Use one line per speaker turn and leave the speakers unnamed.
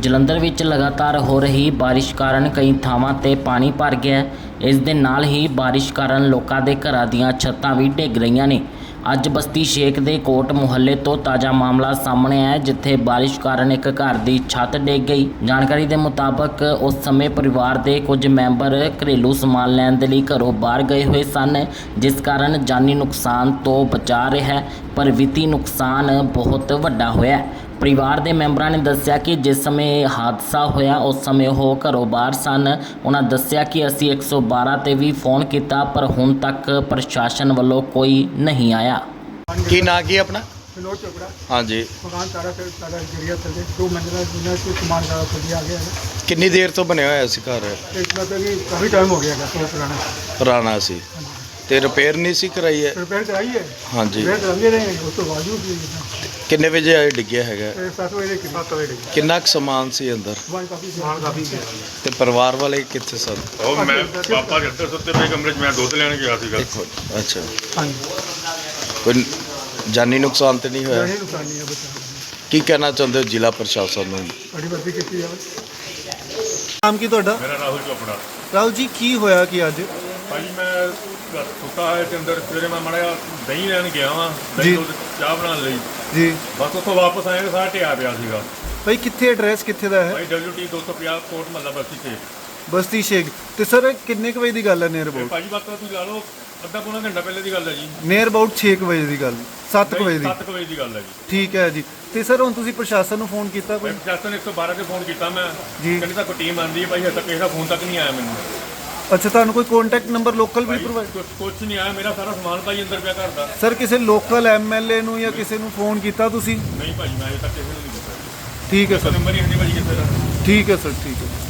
ਜਲੰਧਰ ਵਿੱਚ ਲਗਾਤਾਰ ਹੋ ਰਹੀ ਬਾਰਿਸ਼ ਕਾਰਨ ਕਈ ਥਾਵਾਂ ਤੇ ਪਾਣੀ ਭਰ ਗਿਆ ਹੈ। ਇਸ ਦੇ ਨਾਲ ਹੀ ਬਾਰਿਸ਼ ਕਾਰਨ ਲੋਕਾਂ ਦੇ ਘਰਾਂ ਦੀਆਂ ਛੱਤਾਂ ਵੀ ਡਿੱਗ ਰਹੀਆਂ ਨੇ। ਅੱਜ ਬਸਤੀ ਸ਼ੇਖ ਦੇ ਕੋਟ ਮੁਹੱਲੇ ਤੋਂ ਤਾਜ਼ਾ ਮਾਮਲਾ ਸਾਹਮਣੇ ਆਇਆ, ਜਿੱਥੇ ਬਾਰਿਸ਼ ਕਾਰਨ ਇੱਕ ਘਰ ਦੀ ਛੱਤ ਡਿੱਗ ਗਈ। ਜਾਣਕਾਰੀ ਦੇ ਮੁਤਾਬਕ ਉਸ ਸਮੇਂ ਪਰਿਵਾਰ ਦੇ ਕੁਝ ਮੈਂਬਰ ਘਰੇਲੂ ਸਮਾਨ ਲੈਣ ਦੇ ਲਈ ਘਰੋਂ ਬਾਹਰ ਗਏ ਹੋਏ ਸਨ, ਜਿਸ ਕਾਰਨ ਜਾਨੀ ਨੁਕਸਾਨ ਤੋਂ ਬਚਾ ਰਿਹਾ ਹੈ, ਪਰ ਵਿੱਤੀ ਨੁਕਸਾਨ ਬਹੁਤ ਵੱਡਾ ਹੋਇਆ ਹੈ। परिवार के मैंबरों ने दस्या कि जिस समय हादसा होया उस समय वो घरों बाहर सन। उन्होंने दस्या कि असी 112 ते भी फोन किया, पर हुण तक प्रशासन वालों कोई नहीं आया।
की ना की अपना
विनोद चोपड़ा।
हाँ जी,
मकान सारा गिरिया थले 2 मंजिला जिन्हें कोई सामान सारा थले आ गया है।
कितनी देर तो बनया होया सी घर?
एक मतलब कि काफ़ी टाइम हो गया है तो
पुराना सी ते रिपेयर नहीं सी कराई है?
रिपेयर कराई है।
हाँ जी,
रिपेयर कराते रहे हैं, उस तो बावजूद भी
किन्ने बजे आए डिग्गिया हैगा?
7 बजे 7 बजे
किन्ना कुछ समान सी अंदर
सामान काफ़ी
ते परिवार वाले कित्थे सन?
ਉਹ ਮੈਂ ਪਾਪਾ ਜੱਟੇ ਸੁੱਤੇ ਪਏ ਕਮਰੇ 'ਚ ਮੈਂ ਦੁੱਧ ਲੈਣ ਗਿਆ ਸੀਗਾ।
अच्छा,
हाँ जी,
कोई जानी नुकसान तो नहीं होया?
नहीं नुकसान नहीं है बच्चा।
की कहना चाहते हो जिला प्रशासन नूं?
बड़ी भर्ती की जाए।
नाम की ਤੁਹਾਡਾ?
ਮੇਰਾ ਰਾਹੁਲ ਚੋਪੜਾ।
ਰਾਹੁਲ ਜੀ ਕੀ ਹੋਇਆ ਕਿ ਅੱਜ
ਭਾਈ ਮੈਂ ਸੁੱਤਾ ਹੈ ਤੇ ਅੰਦਰ ਸਵੇਰੇ ਮੈਂ ਮੜਿਆ ਦਹੀਂ ਲੈਣ ਗਿਆ ਵਾਂ,
ਜੀ।
ਦਹੀਂ ਦੁੱਧ ਚਾਹ ਬਣਾਉਣ ਲਈ।
ਜੀ
ਬਸ ਉੱਥੋਂ ਵਾਪਸ ਆਏ ਤਾਂ ਸਾਰਾ ਢਿਆ ਪਿਆ ਸੀਗਾ।
ਭਾਈ ਕਿੱਥੇ ਐਡਰੈਸ ਕਿੱਥੇ ਦਾ ਹੈ?
ਭਾਈ WT 250 ਕੋਟ ਮਹੱਲਾ ਬਸਤੀ ਤੇ।
ਬਸਤੀ ਸ਼ੇਖ। ਤੇ ਸਰ ਕਿੰਨੇ ਕੁ ਵਜੇ ਦੀ ਗੱਲ ਹੈ ਨੀਅਰ
ਤੇ
ਅਬਾਊਟ?
ਭਾਜੀ ਬਸ ਤੁਸੀਂ ਲਾ ਲਓ ਅੱਧਾ ਪੌਣਾ ਘੰਟਾ ਪਹਿਲੇ ਦੀ ਗੱਲ ਹੈ ਜੀ।
ਨੀਅਰ ਅਬਾਊਟ 6 ਕੁ ਵਜੇ ਦੀ ਗੱਲ, 7 ਕੁ ਵਜੇ ਦੀ।
7 ਵਜੇ ਦੀ ਗੱਲ ਹੈ ਜੀ।
ਠੀਕ ਹੈ ਜੀ। ਤੇ ਸਰ ਹੁਣ ਤੁਸੀਂ ਪ੍ਰਸ਼ਾਸਨ ਨੂੰ ਫੋਨ ਕੀਤਾ ਕੋਈ?
ਮੈਂ ਪ੍ਰਸ਼ਾਸਨ 112 ਤੇ ਫੋਨ ਕੀਤਾ ਮੈਂ।
ਜੀ।
ਕਹਿੰਦੇ ਤਾਂ ਕੋਈ ਟੀਮ ਆਂਦੀ ਹੈ ਭਾਈ, ਹਜੇ ਤੱਕ ਕਿਸੇ ਦਾ ਫੋਨ ਤੱਕ ਨਹੀਂ ਆਇਆ ਮੈਨੂੰ।
ਅੱਛਾ, ਤੁਹਾਨੂੰ ਕੋਈ ਕੰਟੈਕਟ ਨੰਬਰ ਲੋਕਲ ਵੀ ਪ੍ਰੋਵਾਈਡ?
ਕੁਛ ਨਹੀਂ ਆਇਆ, ਮੇਰਾ ਸਾਰਾ ਸਮਾਨ ਭਾਈ ਅੰਦਰ ਪਿਆ ਘਰ ਦਾ।
ਸਰ ਕਿਸੇ ਲੋਕਲ MLA ਨੂੰ ਜਾਂ ਕਿਸੇ ਨੂੰ ਫੋਨ ਕੀਤਾ ਤੁਸੀਂ?
ਨਹੀਂ ਭਾਜੀ, ਮੈਂ ਹਜੇ ਤੱਕ ਕਿਸੇ ਨੂੰ ਨਹੀਂ ਕੀਤਾ।
ਠੀਕ ਹੈ ਸਰ,
ਨੰਬਰ ਹੀ ਨਹੀਂ ਭਾਜੀ ਕਿਸੇ ਦਾ।
ਠੀਕ ਹੈ ਸਰ, ਠੀਕ ਹੈ।